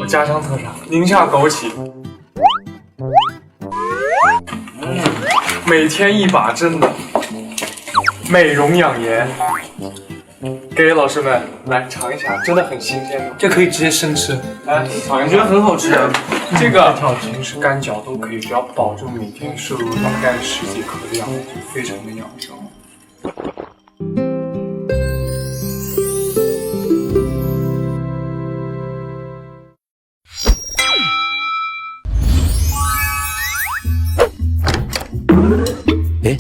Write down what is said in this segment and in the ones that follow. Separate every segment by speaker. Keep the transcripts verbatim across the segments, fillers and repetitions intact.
Speaker 1: 家乡特产宁夏枸杞，每天一把真的美容养颜。给老师们来尝一下，真的很新鲜的，
Speaker 2: 这可以直接生吃。
Speaker 1: 来尝一下，我觉得很好吃。这个条平时干嚼都可以，只要保证每天摄入大概十几克的量，就非常的养生。
Speaker 3: 诶，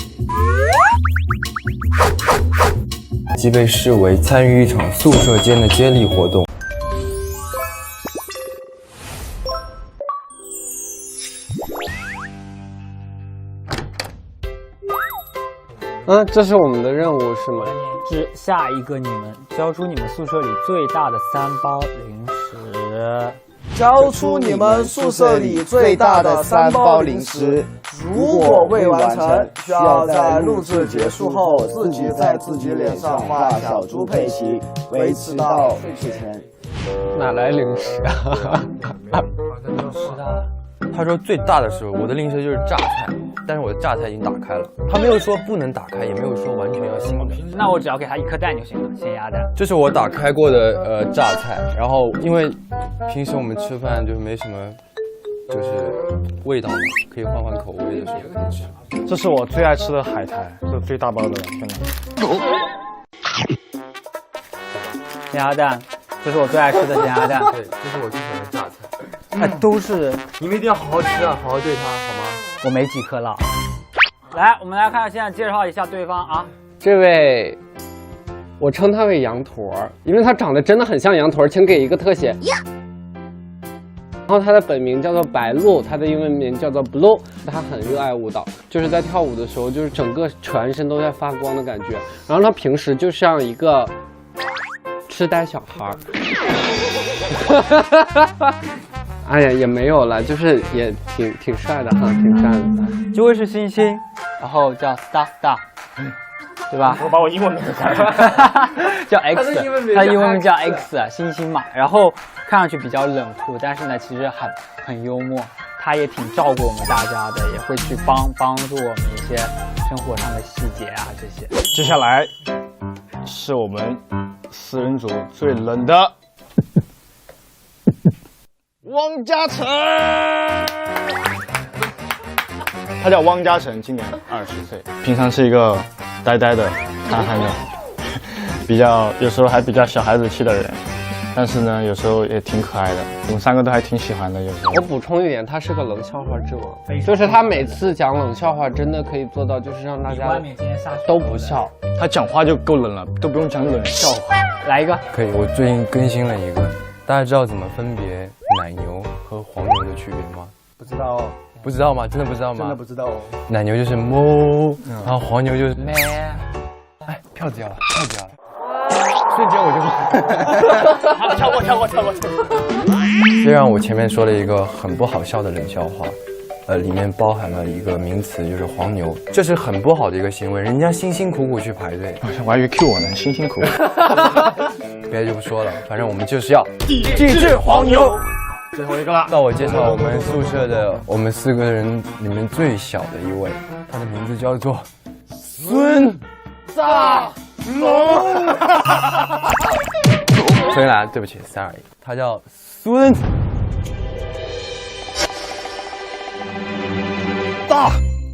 Speaker 3: 即被视为参与一场宿舍间的接力活动。
Speaker 4: 嗯，这是我们的任务是吗？
Speaker 5: 是下一个你们交出你们宿舍里最大的三包零食。
Speaker 6: 交出你们宿舍里最大的三包零食，如果未完成，需要在录制结束后自己在自己脸上画小猪佩奇，维持到睡前。
Speaker 4: 哪来零食啊？
Speaker 3: 他说最大的时候，我的零食就是榨菜，但是我的榨菜已经打开了。他没有说不能打开，也没有说完全要醒的。
Speaker 5: 那我只要给他一颗蛋就行了，咸鸭蛋。
Speaker 3: 这是我打开过的呃榨菜，然后因为平时我们吃饭就没什么，就是味道嘛，可以换换口味的时候可以吃。
Speaker 7: 这是我最爱吃的海苔，这最大包的，真的。
Speaker 5: 咸鸭蛋，这是我最爱吃的咸鸭蛋。
Speaker 3: 对，这是我最喜欢的榨菜。
Speaker 5: 哎，都是
Speaker 3: 你们一定要好好吃啊，好好对他，好吗？
Speaker 5: 我没几颗了。来，我们来看，现在介绍一下对方啊。
Speaker 4: 这位，我称他为羊驼，因为他长得真的很像羊驼，请给一个特写。然后他的本名叫做白鹿，他的英文名叫做 Blue。他很热爱舞蹈，就是在跳舞的时候，就是整个全身都在发光的感觉。然后他平时就像一个痴呆小孩。哎呀，也没有了，就是也挺挺帅的哈，挺帅的。
Speaker 5: 这位是星星，然后叫 Star Star， 对吧？
Speaker 7: 我把我英文名字改了，
Speaker 5: 叫 X， 他的英文名叫 X， 星星嘛。然后看上去比较冷酷，但是呢，其实很很幽默。他也挺照顾我们大家的，也会去帮帮助我们一些生活上的细节啊这些。
Speaker 7: 接下来是我们四人组最冷的。汪嘉诚，他叫汪嘉诚，今年二十岁，平常是一个呆呆的、憨憨的，比较有时候还比较小孩子气的人，但是呢，有时候也挺可爱的，我们三个都还挺喜欢的。有时候
Speaker 4: 我补充一点，他是个冷笑话之王，就是他每次讲冷笑话，真的可以做到，就是让大家都不笑。
Speaker 7: 他讲话就够冷了，都不用讲冷笑话。
Speaker 5: 来一个，
Speaker 3: 可以。我最近更新了一个，大家知道怎么分别奶牛和黄牛的区别吗？
Speaker 6: 不知道哦，
Speaker 3: 不知道吗？真的不知道吗？
Speaker 6: 真的不知道哦。
Speaker 3: 奶牛就是哞，然后黄牛就是咩。哎，票子掉了，票子掉了。瞬间我就
Speaker 7: 好，跳过，跳过，跳过，跳过。
Speaker 3: 虽然我前面说了一个很不好笑的冷笑话，呃，里面包含了一个名词，就是黄牛，这是很不好的一个行为，人家辛辛苦苦去排队。
Speaker 7: 我还以为 Q 我呢，辛辛苦苦。
Speaker 3: 别的就不说了，反正我们就是要抵制黄牛。
Speaker 7: 最后一个了，
Speaker 3: 到我介绍我们宿舍的我们四个人里面最小的一位，他的名字叫做孙大龙。重新来，对不起 ，sorry， 他叫孙大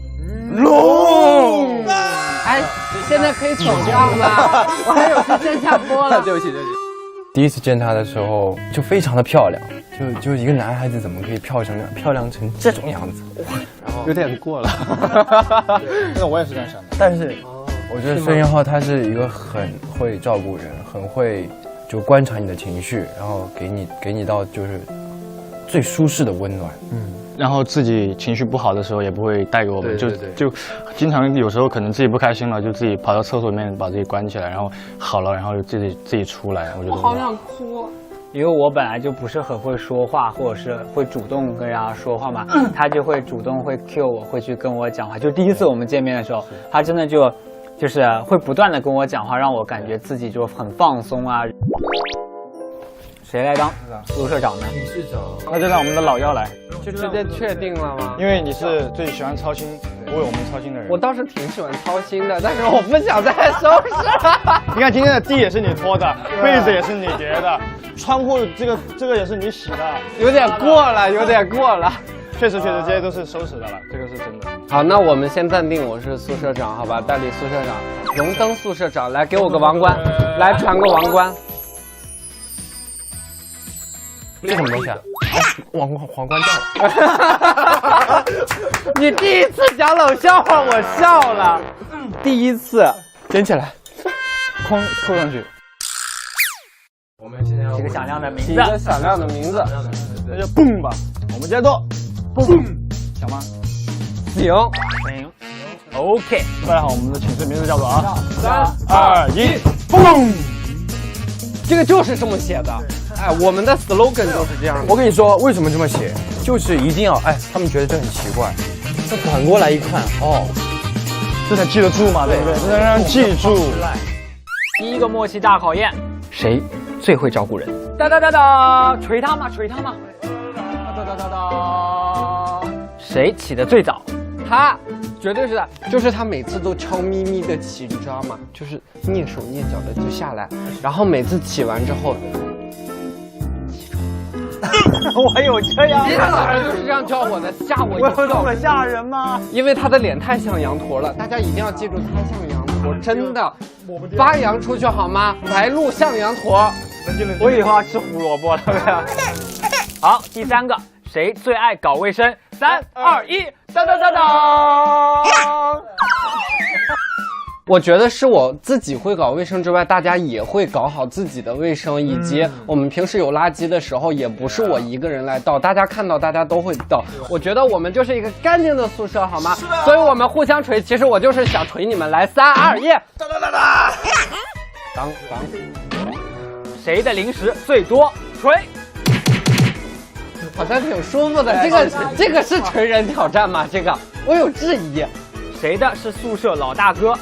Speaker 3: 龙。
Speaker 4: 哎，现在可以走掉吗？我还有去线下播了。
Speaker 3: 对不起，对不起。第一次见他的时候就非常的漂亮，就就一个男孩子怎么可以漂成漂亮成这种样子？
Speaker 4: 然后有点过了。
Speaker 7: 那我也是这样想的。
Speaker 3: 但是我觉得孙元浩他是一个很会照顾人，很会就观察你的情绪，然后给你给你到就是最舒适的温暖。嗯。
Speaker 7: 然后自己情绪不好的时候也不会带给我们，就就经常有时候可能自己不开心了，就自己跑到厕所里面把自己关起来，然后好了，然后自己自己出来。我觉得
Speaker 4: 我好想哭，
Speaker 5: 因为我本来就不是很会说话，或者是会主动跟人家说话嘛，他就会主动会 cue 我，会去跟我讲话。就第一次我们见面的时候，他真的就就是会不断的跟我讲话，让我感觉自己就很放松啊。 谁来当宿舍长呢？
Speaker 3: 理事长，
Speaker 7: 那就让我们的老幺来，
Speaker 4: 就直接确定了吗？
Speaker 7: 因为你是最喜欢操心为我们操心的人。
Speaker 4: 我倒是挺喜欢操心的，但是我不想再收拾。
Speaker 7: 你看今天的地也是你拖的，被子也是你叠的，窗户这个这个也是你洗的，
Speaker 4: 有点过了，有点过了。
Speaker 7: 确实确实这些都是收拾的了，这个是真的。
Speaker 4: 好，那我们先暂定我是宿舍长，好吧？代理宿舍长，荣登宿舍长，来给我个王冠，来传个王冠。
Speaker 3: 这什么东西啊？皇皇皇冠掉。
Speaker 4: 你第一次讲冷笑话，我笑了。第一次，
Speaker 3: 捡起来，
Speaker 7: 框扣上去。
Speaker 3: 我们现在要
Speaker 5: 起个响亮的名
Speaker 4: 起
Speaker 5: 字，
Speaker 4: 一个响亮的名字。
Speaker 7: 那就蹦吧，我们接着做，蹦，行吗？
Speaker 4: 行，
Speaker 5: 行 ，OK。
Speaker 7: 大家好，我们的寝室名字叫做啊，
Speaker 4: 三
Speaker 7: 二一，蹦。
Speaker 4: 这个就是这么写的。哎，我们的 slogan 就是这样的。
Speaker 3: 我跟你说，为什么这么写？就是一定要哎，他们觉得这很奇怪，这反过来一看，哦，
Speaker 7: 这才记得住嘛，对不对？这才让人记住。
Speaker 5: 第一个默契大考验，谁最会照顾人？哒哒哒哒，捶他嘛，捶他嘛。哒哒哒哒，谁起得最早？
Speaker 4: 他绝对是的，就是他每次都悄咪咪的起，你知道吗？就是蹑手蹑脚的就下来，然后每次起完之后，
Speaker 5: 我有这样
Speaker 4: 今天早上就是这样叫我的，吓我一跳。
Speaker 5: 我有这么吓人吗？
Speaker 4: 因为他的脸太像羊驼了，大家一定要记住他像羊驼，真的。发扬出去好吗？白鹿像羊驼。
Speaker 5: 我以后要吃胡萝卜了，对不对？好，第三个，谁最爱搞卫生？三二一，当当当当！
Speaker 4: 我觉得是我自己会搞卫生之外，大家也会搞好自己的卫生，以及我们平时有垃圾的时候，也不是我一个人来倒，大家看到大家都会倒。我觉得我们就是一个干净的宿舍，好吗？所以我们互相捶。其实我就是想捶你们，来，三二一，当当当当，当当，
Speaker 5: 谁的零食最多？捶。
Speaker 4: 好像挺舒服的。这个这个是捶人挑战吗？这个我有质疑。
Speaker 5: 谁的是宿舍老大哥？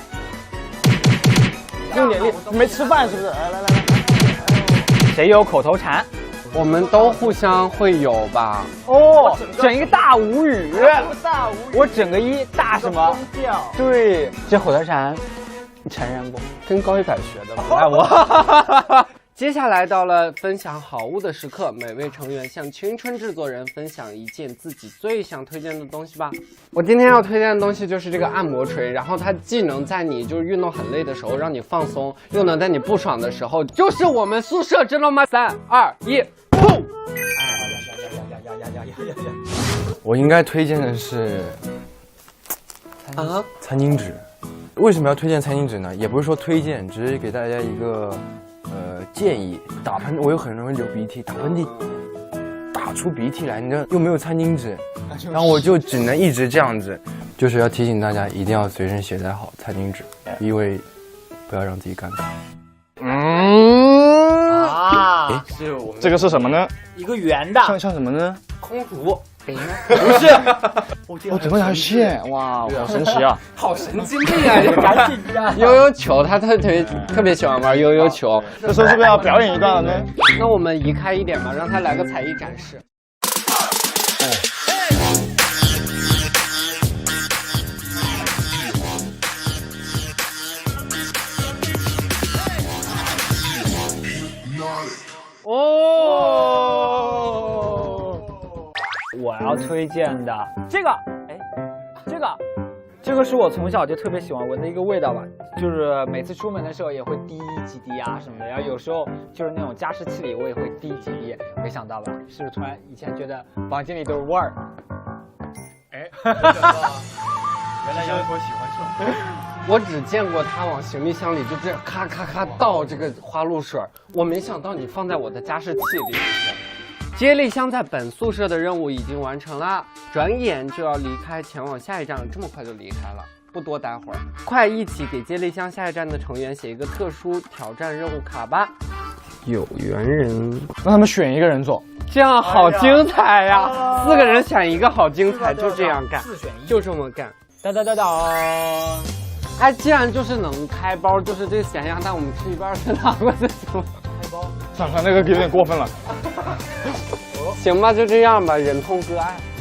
Speaker 7: 用点力，没吃饭是不是？来来来来，
Speaker 5: 谁有口头禅？
Speaker 4: 我们都互相会有吧？
Speaker 5: 哦，整一个大无语，大无语，我整个一大什么？对，这口头禅，你承认不？
Speaker 4: 跟高一百学的，不赖我。接下来到了分享好物的时刻，每位成员向青春制作人分享一件自己最想推荐的东西吧。我今天要推荐的东西就是这个按摩锤，然后它既能在你就是运动很累的时候让你放松，又能在你不爽的时候，就是我们宿舍，知道吗？三二一，砰！
Speaker 3: 我应该推荐的是
Speaker 4: 啊，
Speaker 3: 餐巾纸。为什么要推荐餐巾纸呢？也不是说推荐，只是给大家一个呃建议。打喷，我有很容易流鼻涕，打喷嚏打出鼻涕来，你知道又没有餐巾纸，然后我就只能一直这样子。就是要提醒大家，一定要随身携带好餐巾纸，因为不要让自己尴尬。
Speaker 5: 嗯啊，是我们
Speaker 7: 这个是什么呢？
Speaker 5: 一个圆的，
Speaker 7: 像像什么呢？
Speaker 4: 空竹。
Speaker 5: 不
Speaker 7: 是，哦，整个条线，哇，好神奇啊！
Speaker 4: 好神经病啊！赶紧呀！悠悠球，他特别特别喜欢玩悠悠球。
Speaker 7: 这时候是不是要表演一段了呢？
Speaker 4: 那我们移开一点吧，让他来个才艺展示。
Speaker 5: 哦。我要推荐的这个，哎，这个，这个是我从小就特别喜欢闻的一个味道吧，就是每次出门的时候也会滴几滴啊什么的，然后有时候就是那种加湿器里我也会滴几滴，没想到吧？是不是突然以前觉得房间里都是味儿？哎，原来羊驼喜欢这种。
Speaker 4: 我只见过他往行李箱里就这样咔咔咔倒这个花露水，我没想到你放在我的加湿器里。接力箱在本宿舍的任务已经完成了，转眼就要离开，前往下一站，这么快就离开了，不多待会儿，快一起给接力箱下一站的成员写一个特殊挑战任务卡吧。有缘人，
Speaker 7: 让他们选一个人做，
Speaker 4: 这样好精彩呀！啊、四个人选一个，好精彩，就这样干，
Speaker 5: 四选一，
Speaker 4: 就这么干。
Speaker 5: 哒哒哒哒。
Speaker 4: 哎，既然就是能开包，就是这个咸鸭蛋，我们吃一半再拿过去行吗？
Speaker 5: 开包。
Speaker 7: 算了，那个有点过分了。
Speaker 4: 行吧，就这样吧，忍痛割爱。